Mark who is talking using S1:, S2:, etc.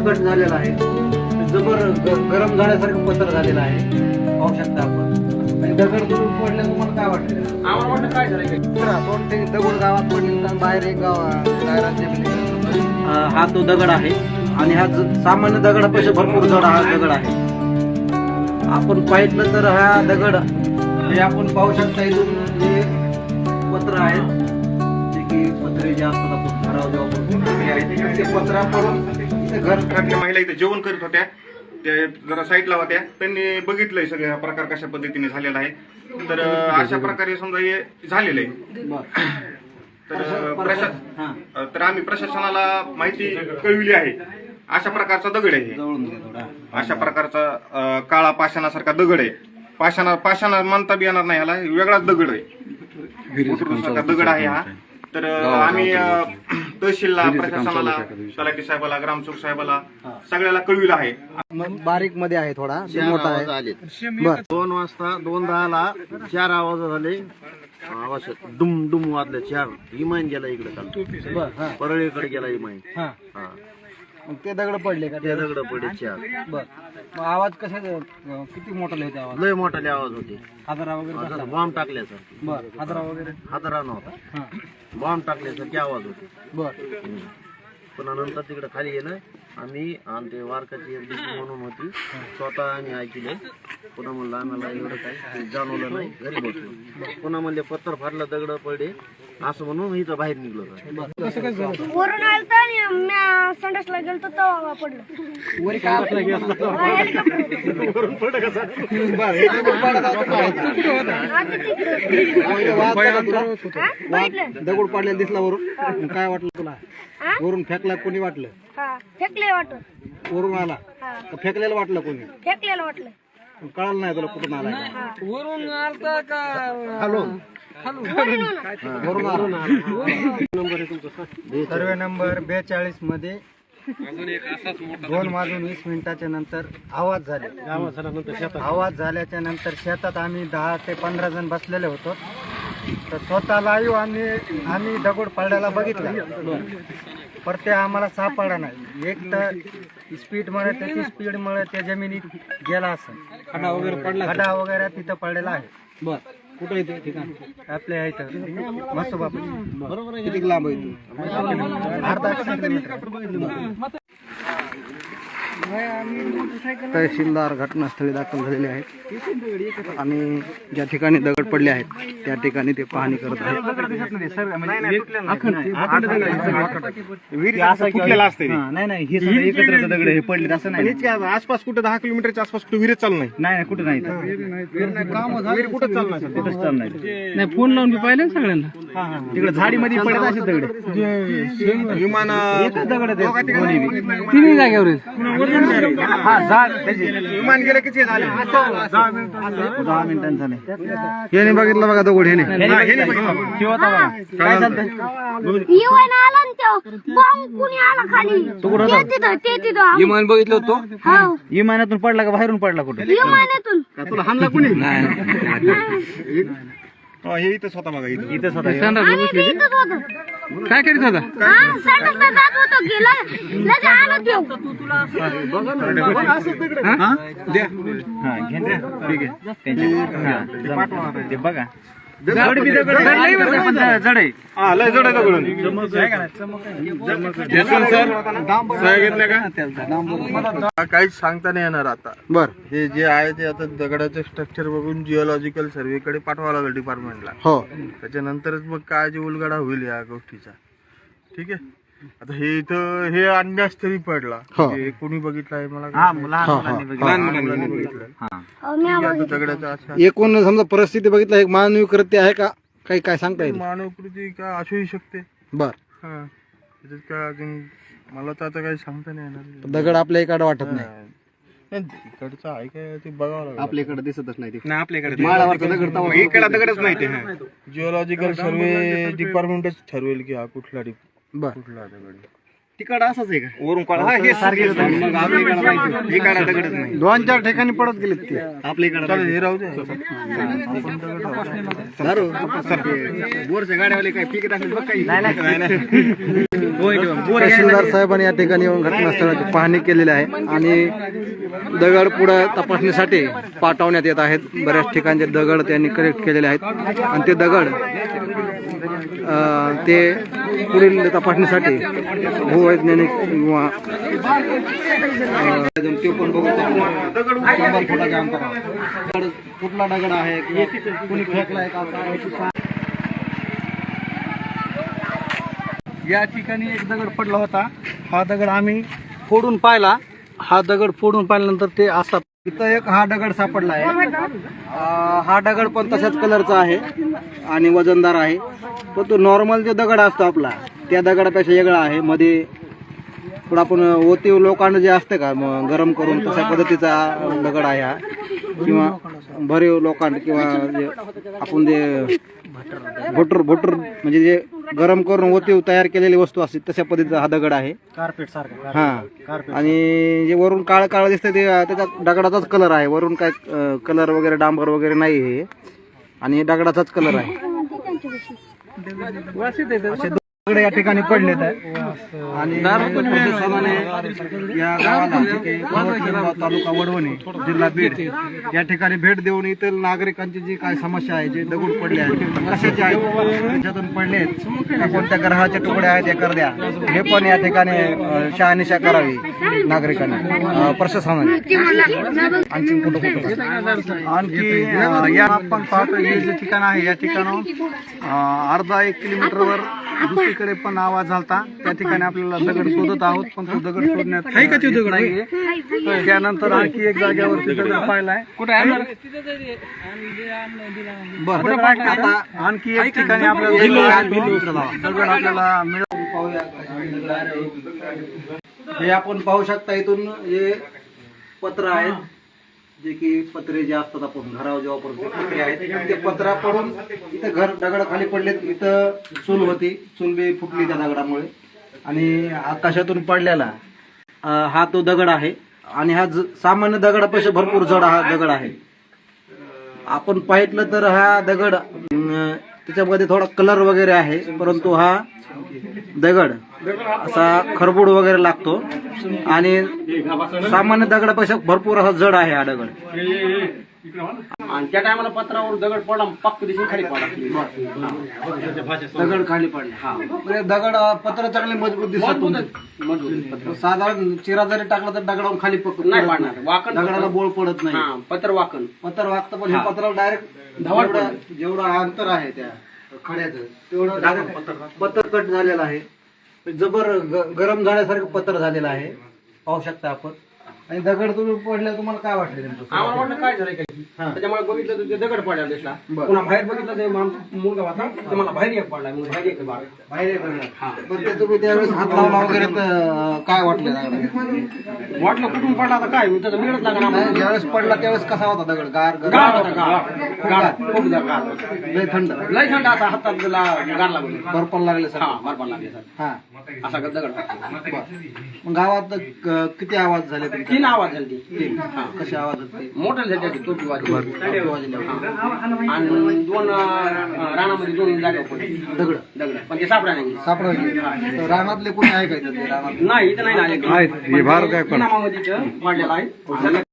S1: Cut झालेला आहे, जबर गरम झाल्यासारखं पत्र झालेलं आहे, पाहू शकता आपण. आणि दगड दुरून पडले तुम्हाला काय वाटतं?
S2: आम्हाला वाटलं काय झालं
S1: दोन ते दगड गावात पडले तर बाहेर एक गाव हा तो दगड आहे आणि हा सामान्य दगडापेक्षा भरपूर जड हा दगड आहे. आपण पाहिलं तर हा दगड हे आपण पाहू शकता इथून जे पत्र आहेत, जे की पत्रे जे असतात आपण घरावर जेव्हा ते पत्रा पडून घर
S3: घरातल्या महिला इथे जेवण करीत होत्या, त्या जरा साईडला होत्या, त्यांनी बघितलंय सगळा प्रकार कशा पद्धतीने झालेला आहे. तर अशा प्रकारे समजा हे झालेलं आहे. तर आम्ही प्रशासनाला माहिती कळविली आहे. अशा प्रकारचा दगड आहे हे. अशा प्रकारचा काळा पाषाणासारखा दगड आहे. पाषाणा मानता बी येणार नाही, ह्याला वेगळाच दगड आहे, सारखा दगड आहे हा. तर आम्ही तहसीलला, प्रशासनाला, तलाठी साहेबाला, ग्रामसेवक साहेबाला सगळ्याला कळविलं आहे.
S1: बारीक मध्ये आहे, थोडा मोठा आहे.
S4: 2 वाजता 2:10ला 4 आवाज झाले. आवाज डुम डुम वाजले 4. इमान गेला इकडे, परळीकडे गेला इमान.
S1: ते दगड पडले का?
S4: ते दगड पडले 4.
S1: बर, आवाज कशा किती मोठा लिहिते आवाज?
S4: लय मोठाले आवाज होते.
S1: हादरा वगैरे?
S4: बॉम्ब टाकल्यासारखे.
S1: बर, हादरा वगैरे?
S4: हादरा नव्हता, बॉम्ब टाकल्यासारखे आवाज होते.
S1: बर.
S4: पुन्हा नंतर तिकडे खाली गेलं आम्ही, आणि ते वारकाची एक दिवशी म्हणून होती, स्वतः आम्ही ऐकले. पुन्हा म्हणलं आम्हाला एवढं काही जाणवलं नाही, घरी बसलो. पुन्हा म्हणले पत्थर फाडलं, दगड पडले, असं म्हणून इथं बाहेर निघलो.
S5: वरून आलं तर मी संडासला गेलो तेव्हा पडलं.
S1: वर काय दगड पडलेला दिसला वरून? काय वाटलं तुला? वरून फेकला कोणी वाटलं?
S5: फेकले वाटत.
S1: वरून आला का फेकलेलं वाटलं कोणी?
S5: फेकलेलं वाटलं.
S1: कळलं नाही तुला कुठून आला?
S2: वरून आलता का
S1: वरून आला. सर्वे नंबर 42 मध्ये 2:20 नंतर आवाज झाले. आवाज झाल्याच्या नंतर शेतात आम्ही 10 ते 15 जण बसलेले होतो. तर स्वतः लाईव्ह आम्ही दगड पडल्याला बघितला, पर ते आम्हाला सापडला नाही. एक तर स्पीडमुळे, त्याची स्पीडमुळे त्या जमिनीत गेला असं. खडा वगैरे तिथं पडलेला आहे. बर, कुठं येते ठिकाण? आपल्या इथं मसोबाप. बरोबर. किती लांब आहे? अर्धा किलोमीटर. तहसीलदार घटनास्थळी दाखल झालेले आहेत आणि ज्या ठिकाणी दगड पडले आहेत त्या ठिकाणी ते पाहणी करत आहेत.
S4: नाही, हे सगळं एकत्र दगड हे पडले असं नाही.
S3: आसपास कुठं 10 किलोमीटरच्या आसपास कुठं विहिरीत चालू नाही.
S4: नाही, कुठं नाही,
S3: विहीर कुठं चालू नाही.
S4: कुठंच चालू नाही.
S2: नाही, फोन लावून पाहिलं सगळ्यांना.
S4: तिकडे झाडीमध्ये पडत असे दगड.
S3: विमान
S2: तिन्ही जागेवर
S3: विमान गेले किती झाले?
S4: 10 मिनिटांनी झाले.
S1: याने बघितलं बघा दगड ह्याने.
S4: काय चालतंय?
S5: इवन आला ना तो बॉम्ब कुणी आला खाली. ते तिथं
S2: विमान बघितलं होतं.
S5: हो,
S4: इमानातून पडला का बाहेरून पडला कुठे?
S5: विमानातून.
S1: तुला हाणला कुणी?
S3: हे इथंच होता बघा,
S4: इथंच होता.
S5: आम्ही बी इथंच होतो.
S2: काय करीत होता?
S5: संडासला जात होतो, गेला लगे आलो देव.
S4: ते बघा
S3: लय जड आहे दगड.
S6: काहीच सांगता नाही येणार आता.
S1: बर.
S6: हे जे आहे ते आता दगडाचं स्ट्रक्चर बघून जिओलॉजिकल सर्वेकडे पाठवावं लागेल डिपार्टमेंटला.
S1: हो.
S6: त्याच्यानंतरच मग काय जे उलगडा होईल या गोष्टीचा. ठीक आहे. आता हे इथं हे अंदाज तरी पडला. हे कोणी बघितलं आहे मला?
S4: लहान मुलांनी
S6: बघितलं.
S5: मी
S6: दगडाचं असं
S1: एकूण समजा परिस्थिती बघितलं, एक मानवी कृत्य आहे का? काही काय सांगता येईल?
S6: मानवकृती का असूही शकते.
S1: बर.
S6: हा, त्याच्यात काय अजून मला तर आता काही सांगता नाही येणार.
S1: दगड आपल्या इकडे वाटत नाही.
S6: इकडचं आहे काय ते बघावं लागेल.
S1: आपल्याकडे दिसतच नाही.
S3: नाही आपल्याकडे
S1: इकडे
S3: दगडच नाही ते.
S6: जिओलॉजिकल सर्वे डिपार्टमेंटच ठरवेल की हा कुठला
S1: बर.
S6: कुठला दगड.
S1: तिकडं असंच आहे का?
S3: वरून काळा हा हे सारखेच आहे. मग आपल्याकडे माहिती हे काळा दगडच नाही.
S1: 2-4 ठिकाणी पडत गेलेत ते आपल्या
S6: चालेल, हे राहू दे.
S1: बोरच्या गाड्यावाले काय पिकत असेल बघ काही. तहसीलदार साहेबांनी या ठिकाणी येऊन घटनास्थळाची पाहणी केलेली आहे आणि दगड पुढे तपासणीसाठी पाठवण्यात येत आहेत. बऱ्याच ठिकाणचे दगड त्यांनी कलेक्ट केलेले आहेत आणि ते दगड ते पुढील तपासणीसाठी भूवैज्ञानिक किंवा ते पण बघू दगड 100 फुटाच्या अंतरावर कुठला दगड आहे किंवा कुणी फेकलाय का काय. या ठिकाणी एक दगड पडला होता. हा दगड आम्ही फोडून पाहिला. हा दगड फोडून पाहिल्यानंतर ते असा इथं एक हा दगड सापडला आहे. हा दगड पण तशाच कलरचा आहे आणि वजनदार आहे. पण तो नॉर्मल जो दगड असतो आपला त्या दगडापेक्षा वेगळा आहे. मध्ये थोडा आपण ओतीव लोखंड जे असते का गरम करून तशा पद्धतीचा दगड आहे हा, किंवा भरीव लोखंड किंवा जे आपण जे भोटर म्हणजे जे गरम करून ओतीव तयार केलेली वस्तू असते तशा पद्धतीचा हा दगड आहे. कार्पेट सारखा हा. आणि जे वरून काळ काळ दिसते ते त्याच्या दगडाचाच कलर आहे. वरून काय कलर वगैरे डांबर वगैरे नाही हे, आणि दगडाचाच कलर आहे. असे दगड या ठिकाणी पडलेत आहे. आणि प्रशासनाने या गावाला तालुका वडवणी जिल्हा बीड या ठिकाणी भेट देऊन इतर नागरिकांची जी काय समस्या आहे, जे दगड पडले आहेत कशाचे आहेत, त्याच्यातून पडले आहेत, कोणत्या ग्रहाचे तुकडे आहेत हे कर द्या, हे पण या ठिकाणी शहानिशा करावी नागरिकांनी प्रशासनाने. आणखी कुठं आणखी या आपण पाहतो हे जे ठिकाण आहे या ठिकाणाहून अर्धा 1 किलोमीटरवर दुसरीकडे पण आवाज झालता. त्या ठिकाणी आपल्याला दगड शोधत आहोत, पण तो दगड शोधण्यात नाहीये. त्यानंतर आणखी एक जागेवरती दगड पाहिलाय. कुठे आहे बरं आता आणखी एक ठिकाणी आपल्याला दगड आपल्याला मिळून पाहूया. हे आपण पाहू शकता इथून हे पत्र आहेत, जे की पत्रे जे असतात आपण घरावर जेव्हा पडतो पत्रे आहेत, ते पत्रा पडून इथं घर दगड खाली पडलेत. इथं चूल होती, चूल बी फुटली त्या दगडामुळे. आणि आकाशातून पडलेला हा तो दगड आहे. आणि हा सामान्य दगडापेक्षा भरपूर जड हा दगड आहे. आपण पाहितलं तर हा दगड त्याच्यामध्ये थोडा कलर वगैरे आहे, परंतु हा दगड असा खरबूड वगैरे लागतो आणि सामान्य दगडापेक्षा भरपूर असा जड आहे हा दगड.
S2: आणि त्या टायमाला पत्रावर दगड पडला, पक्क दिसून खाली पडला.
S1: दगड खाली पडले. हा दगड पत्र चांगले मजबूत दिसत. साधारण चिरा जरी टाकला तर दगडावर खाली
S2: नाही पडणार. वाकण
S1: दगडाला बोळ पडत नाही.
S2: पत्र वाकण
S1: पत्र वागतं, पण हे पत्राला डायरेक्ट जेवढं अंतर आहे त्या खड्याचं तेवढं पत्र कट झालेलं आहे. जबर गरम झाल्यासारखं पत्र झालेलं आहे, पाहू शकता आपण. आणि दगड तुम्ही पडल्या तुम्हाला काय वाटलं नेमकं?
S2: आम्हाला वाटलं काय झालं काही. त्याच्यामुळे बघितलं तर ते दगड पडला दिसला. पुन्हा बाहेर बघितलं ते मुलगा होता, ते मला बाहेर एक पडला. मग बाहेर एक बाळ
S1: बाहेर पण ते तुम्ही त्यावेळेस हात लावला वगैरे तर काय वाटलं?
S2: वाटलं कुठून पडला आता काय त्याचा मिळत लागला.
S1: ज्यावेळेस पडला त्यावेळेस कसा होता दगड? गार
S2: गार होता, गार खूप गार,
S1: लय थंड,
S2: लय थंड. असा हातात गार लागले,
S1: बर्फाला लागले सर.
S2: बर्फाला लागले सर.
S1: हा
S2: असा दगड.
S1: मग गावात किती आवाज झाले?
S2: 3 आवाज झाले.
S1: कसे आवाज होते?
S2: मोठे झाले, टोपी वाजली. आणि 2 रानामध्ये 2 जागा पडली दगड, पण ते सापडा नाही.
S1: सापडले रानातले कोणी आहे का? रानात
S2: नाही, इथं नाही आले.
S1: आहेत, हे भार काय पण
S2: नामामध्ये पडलेला आहे.